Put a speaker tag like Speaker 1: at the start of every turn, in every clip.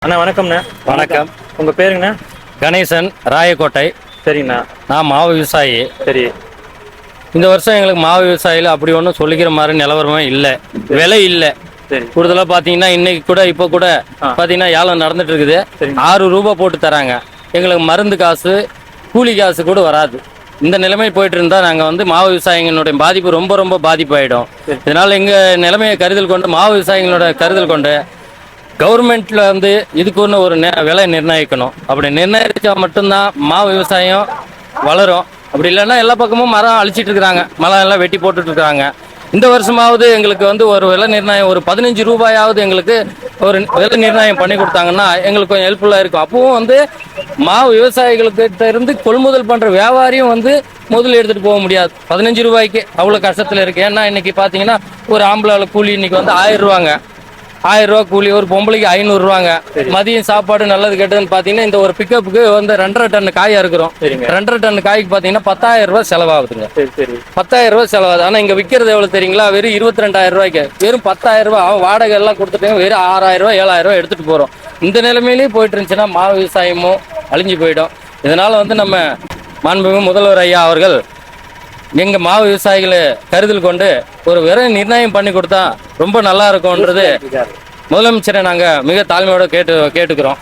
Speaker 1: அண்ணா வணக்கம்ண்ணா.
Speaker 2: வணக்கம்.
Speaker 1: உங்கள் பேருங்கண்ணா?
Speaker 2: கணேசன், ராயக்கோட்டை.
Speaker 1: சரிங்கண்ணா.
Speaker 2: நான் மாவு விவசாயி.
Speaker 1: சரி.
Speaker 2: இந்த வருஷம் எங்களுக்கு மாவு விவசாயியில் அப்படி ஒன்றும் சொல்லிக்கிற மாதிரி நிலவரமே இல்லை, விலை இல்லை.
Speaker 1: சரி.
Speaker 2: கூடுதலாக பார்த்தீங்கன்னா இன்னைக்கு கூட இப்போ கூட பார்த்தீங்கன்னா ஏலம் நடந்துட்டு இருக்குது. 6 ரூபா போட்டு தராங்க. எங்களுக்கு மருந்து காசு கூலி காசு கூட வராது. இந்த நிலைமை போயிட்டு இருந்தால் நாங்கள் வந்து மாவு விவசாயிகளுடைய பாதிப்பு ரொம்ப ரொம்ப பாதிப்பாயிடும். இதனால் எங்கள் நிலைமையை கருதல் கொண்டு மாவு விவசாயிகளோட கருதல் கொண்டு கவர்மெண்ட்ல வந்து இதுக்கு ஒரு விலை நிர்ணயிக்கணும். அப்படி நிர்ணயிச்சா மட்டும்தான் மாவு விவசாயம் வளரும். அப்படி இல்லைன்னா எல்லா பக்கமும் மரம் அழிச்சிட்டு இருக்கிறாங்க, மரம் எல்லாம் வெட்டி போட்டுட்டு இருக்காங்க. இந்த வருஷமாவது எங்களுக்கு வந்து ஒரு விலை நிர்ணயம், ஒரு 15 ரூபாயாவது எங்களுக்கு ஒரு விலை நிர்ணயம் பண்ணி கொடுத்தாங்கன்னா எங்களுக்கு கொஞ்சம் ஹெல்ப்ஃபுல்லாக இருக்கும். அப்பவும் வந்து மாவு விவசாயிகளுக்கிட்ட இருந்து கொள்முதல் பண்ணுற வியாபாரியும் வந்து முதல்ல எடுத்துகிட்டு போக முடியாது 15 ரூபாய்க்கு. அவ்வளோ கஷ்டத்தில் இருக்குது. ஏன்னா இன்னைக்கு பார்த்தீங்கன்னா ஒரு ஆம்பளை கூலி இன்னைக்கு வந்து 1000 ரூபாங்க, 1000 ரூபா கூலி. ஒரு பொம்பளைக்கு 500 ரூபாங்க. மதியம் சாப்பாடு நல்லது கெட்டதுன்னு பார்த்தீங்கன்னா இந்த ஒரு பிக்கப்புக்கு வந்து 2.5 டன் காயா இருக்கிறோம். 2.5 டன் காய்க்கு பார்த்தீங்கன்னா 10,000 ரூபாய் செலவாகுதுங்க. 10,000 ரூபாய் செலவாகுது. ஆனால் இங்கே விற்கிறது எவ்வளோ தெரியுங்களா? வெறும் 22,000 ரூபாய்க்கு, வெறும் 10,000 ரூபாய். அவன் வாடகை எல்லாம் கொடுத்துட்டு வெறும் 6,000 ரூபாய் 7,000 ரூபாய் எடுத்துட்டு போகிறோம். இந்த நிலைமையிலேயே போயிட்டு இருந்துச்சுன்னா மாவு விவசாயமும் அழிஞ்சு போயிடும். இதனால வந்து நம்ம மாண்புமிகு முதல்வர் ஐயா அவர்கள் எங்கள் மாவு விவசாயிகளை கருதல் கொண்டு ஒரு விலை நிர்ணயம் பண்ணி கொடுத்தா ரொம்ப நல்லா இருக்கும்ன்றது முதலமைச்சரை நாங்கள் மிக தாழ்மையோட கேட்டுக்கிறோம்.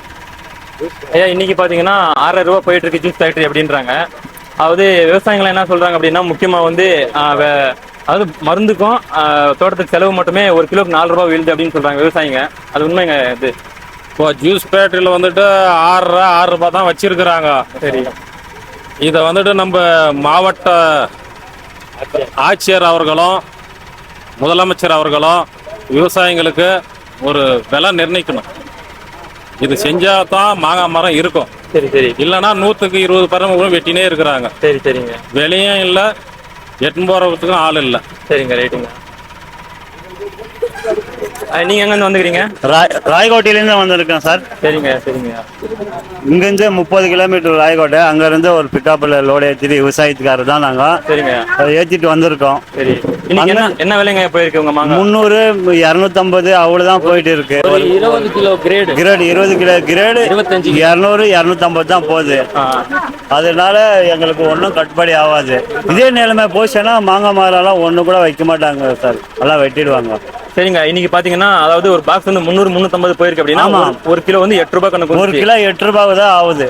Speaker 1: ஐயா, இன்னைக்கு பார்த்தீங்கன்னா 6,000 ரூபா போயிட்டு இருக்கு ஜூஸ் ஃபேக்டரி அப்படின்றாங்க. அதாவது விவசாயிகள் என்ன சொல்றாங்க அப்படின்னா, முக்கியமாக வந்து அதாவது மருந்துக்கும் தோட்டத்துக்கு செலவு மட்டுமே 1 கிலோக்கு 4 ரூபா விழுது அப்படின்னு சொல்றாங்க விவசாயிங்க. அது உண்மைங்க? இது
Speaker 3: இப்போ ஜூஸ் ஃபேக்டரியில் வந்துட்டு 6 ரூபா தான் வச்சிருக்கிறாங்க.
Speaker 1: சரி.
Speaker 3: இதை வந்துட்டு நம்ம மாவட்ட ஆட்சியர் அவர்களும் முதலமைச்சர் அவர்களும் விவசாயிங்களுக்கு ஒரு விலை நிர்ணயிக்கணும். இது செஞ்சா தான் மாங்காய் மரம் இருக்கும்.
Speaker 1: சரி சரி.
Speaker 3: இல்லைன்னா 100க்கு 20% வெட்டினே இருக்கிறாங்க.
Speaker 1: சரி சரிங்க.
Speaker 3: விலையும் இல்லை, எட்டு போகிறதுக்கும் ஆள் இல்லை.
Speaker 1: சரிங்க, ரைட்டுங்க. நீங்க எங்கேருந்து வந்துக்கிறீங்க?
Speaker 4: ராயக்கோட்டையிலேருந்து வந்திருக்கேன் சார்.
Speaker 1: சரிங்க சரிங்க.
Speaker 4: இங்கேருந்து 30 கிலோமீட்டர் ராயக்கோட்டை. அங்கேருந்து ஒரு பிக்கப்பில் லோடு ஏற்றிட்டு விவசாயத்துக்காரர் தான் நாங்கள்.
Speaker 1: சரிங்க.
Speaker 4: ஏற்றிட்டு வந்திருக்கோம்.
Speaker 1: சரி. இன்னைக்கு என்ன விலைங்க போயிருக்கு உங்க மாங்காய்?
Speaker 4: 300, 250 அவ்வளோதான் போயிட்டு இருக்கு.
Speaker 2: 20 கிலோ கிரேடு
Speaker 4: 20 கிலோ கிரேடு 200, 250 தான் போகுது. அதனால எங்களுக்கு ஒன்றும் கட்டுப்படி ஆகாது. இதே நிலைமை போச்சுன்னா மாங்காய் மரம்லாம் ஒன்று கூட வைக்க மாட்டாங்க சார், எல்லாம் வெட்டிடுவாங்க.
Speaker 1: சரிங்க. இன்னைக்கு பாத்தீங்கன்னா அதாவது ஒரு பாக்ஸ் வந்து 300, 350 போயிருக்கு அப்படின்னா 1 கிலோ வந்து 8 ரூபாய் கணக்கு.
Speaker 4: 1 கிலோ 8 ரூபாய் தான் ஆகுது.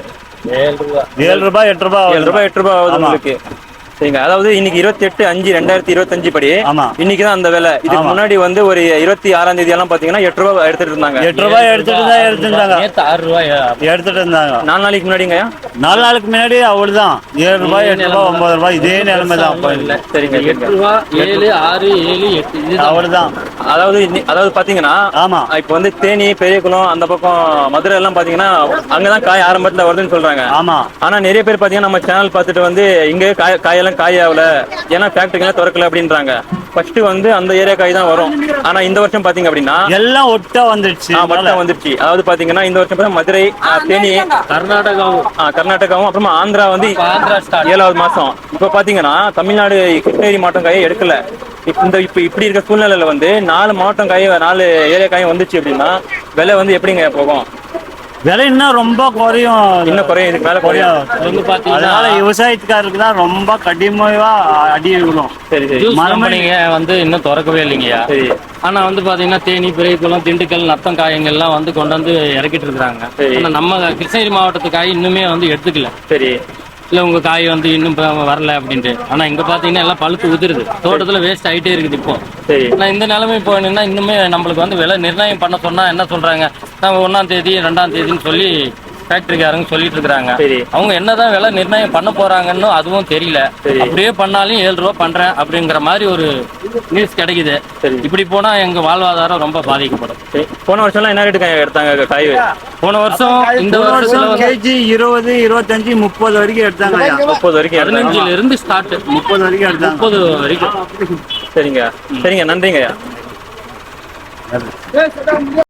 Speaker 4: 7 ரூபாய் 8 ரூபாய்
Speaker 1: ஆகுது உங்களுக்கு. சரிங்க. அதாவது இன்னைக்கு 28/5/2025 படி இன்னைக்கு தான் அந்த விலை. இதுக்கு முன்னாடி வந்து ஒரு 26ஆம் தேதி எல்லாம் பாத்தீங்கன்னா 8 ரூபாய் எடுத்துட்டு இருந்தாங்க.
Speaker 4: 8 ரூபாய் எடுத்துட்டு
Speaker 2: 6 ரூபாய்
Speaker 4: எடுத்துட்டு இருந்தாங்க.
Speaker 1: 4 நாளைக்கு முன்னாடிங்க.
Speaker 4: 4 நாளுக்கு முன்னாடி அவ்வளவுதான். 7 ரூபாய் 8 ரூபாய் 9 ரூபாய் இதே நிலைமை தான்.
Speaker 1: சரிங்க.
Speaker 2: 8 ரூபாய் 7, 6, 7, 8
Speaker 4: அவ்வளவுதான்.
Speaker 1: அதாவது பாத்தீங்கன்னா
Speaker 4: ஆமா,
Speaker 1: இப்ப வந்து தேனி, பெரியகுளம் அந்த பக்கம் மதுரை எல்லாம் பாத்தீங்கன்னா அங்கதான் காய் ஆரம்பத்துல வருதுன்னு சொல்றாங்க.
Speaker 4: ஆமா.
Speaker 1: ஆனா நிறைய பேர் பாத்தீங்கன்னா நம்ம சேனல் பார்த்துட்டு வந்து இங்க காயெல்லாம் காய் ஆகல, ஏன்னா ஃபேக்டரிலாம் திறக்கல அப்படின்றாங்க. ஃபர்ஸ்ட் வந்து அந்த ஏரியா காய் தான் வரும். ஆனா இந்த வருஷம் பாத்தீங்க அப்படின்னா
Speaker 4: எல்லாம் ஒட்டா வந்துருச்சு.
Speaker 1: அதாவது பாத்தீங்கன்னா இந்த வருஷம் மதுரை, தேனி, கர்நாடகாவும் அப்புறமா ஆந்திரா வந்து 7வது மாசம். இப்ப பாத்தீங்கன்னா தமிழ்நாடு கிருஷ்ணகிரி மாவட்டம் காயை எடுக்கல. இப்ப இப்படி இருக்க சூழ்நிலையில வந்து 4 மாவட்டம் காய், 4 ஏரியா காயும் வந்துச்சு அப்படின்னா விலை வந்து எப்படிங்க போகும்?
Speaker 4: விலை இன்னும் ரொம்ப குறையும்.
Speaker 1: இன்னும் குறையும், இதுக்கு மேல குறையும்.
Speaker 4: அதனால விவசாயத்துக்காரருக்கு தான் ரொம்ப கடினமா அடி விடும்.
Speaker 1: சரி சரி.
Speaker 2: மரமணிங்க வந்து இன்னும் திறக்கவே இல்லைங்கய்யா.
Speaker 1: சரி.
Speaker 2: ஆனா வந்து பாத்தீங்கன்னா தேனி, பெரியகுளம், திண்டுக்கல், நத்தம் காயங்கள்லாம் வந்து கொண்டு வந்து இறக்கிட்டு இருக்கிறாங்க. ஆனா நம்ம கிருஷ்ணகிரி மாவட்டத்து காய் இன்னுமே வந்து எடுத்துக்கல.
Speaker 1: சரி.
Speaker 2: இல்லை உங்க காய் வந்து இன்னும் வரல அப்படின்ட்டு. ஆனா இங்க பாத்தீங்கன்னா எல்லாம் பழுத்து உதிருது, தோட்டத்துல வேஸ்ட் ஆகிட்டே இருக்குது. இப்போ நான் இந்த நிலைமை போனா இன்னுமே நம்மளுக்கு வந்து விலை நிர்ணயம் பண்ண சொன்னா என்ன சொல்றாங்க, நம்ம 1ஆம் தேதி 2ஆம் தேதின்னு சொல்லி ஃபேக்டரிக்காரங்க சொல்லிட்டு இருக்காங்க. அவங்க என்னதான் விலை நிர்ணயம் பண்ண போறாங்கன்னு அதுவும் தெரியல. அப்படியே பண்ணாலும் 7 ரூபா பண்றேன் அப்படிங்கிற மாதிரி ஒரு நியூஸ் கிடைக்குது. இப்படி போனா எங்க வாழ்வாதாரம் ரொம்ப பாதிக்கப்படும்.
Speaker 1: போன வருஷம் என்ன ரேட்டு எடுத்தாங்க காய்?
Speaker 2: போன வருஷம் இந்த வருஷம்
Speaker 4: கேஜி 20, 25, 30 வரைக்கும் எடுத்தாங்க.
Speaker 1: 30 வரைக்கும்.
Speaker 2: 15ல இருந்து ஸ்டார்ட்
Speaker 4: 30 வரைக்கும் எடுத்தாங்க.
Speaker 2: 30 வரைக்கும்.
Speaker 1: சரிங்க சரிங்க. நன்றிங்க.